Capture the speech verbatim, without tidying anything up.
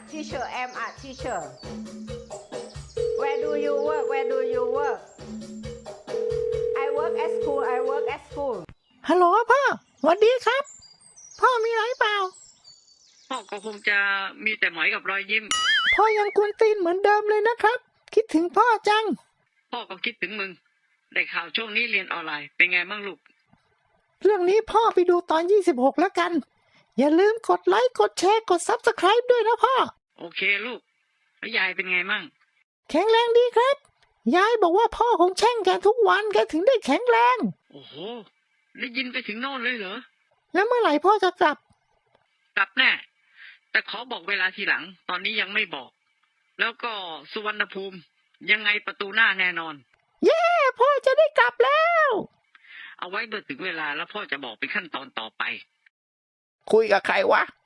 teacher I'm a teacher Where do you work Where do you work I work at school I work at school ฮัลโหลพ่อสวัสดีครับพ่อมีอะไรเปล่าพ่อก็คงจะมีแต่หมอยกับรอยยิ้มพ่อยังกวนตีนเหมือนเดิมเลยนะครับคิดถึงพ่อจังพ่อก็คิดถึงมึงได้ข่าวช่วงนี้เรียนออนไลน์เป็นไงบ้างลูกเรื่องนี้พ่อไปดูตอนยี่สิบหกแล้วกันอย่าลืมกดไลค์กดแชร์กด ซับสไครบ์ ด้วยนะพ่อโอเคลูกแล้วยายเป็นไงมั่งแข็งแรงดีครับยายบอกว่าพ่อคงแช่งแกทุกวันแกถึงได้แข็งแรงโอ้โหได้ยินไปถึงโน่นเลยเหรอแล้วเมื่อไหร่พ่อจะกลับกลับแน่แต่ขอบอกเวลาทีหลังตอนนี้ยังไม่บอกแล้วก็สุวรรณภูมิยังไงประตูหน้าแน่นอนเย้พ่อจะได้กลับแล้วเอาไว้เมื่อถึงเวลาแล้วพ่อจะบอกเป็นขั้นตอนต่อไปคุยกับใครวะ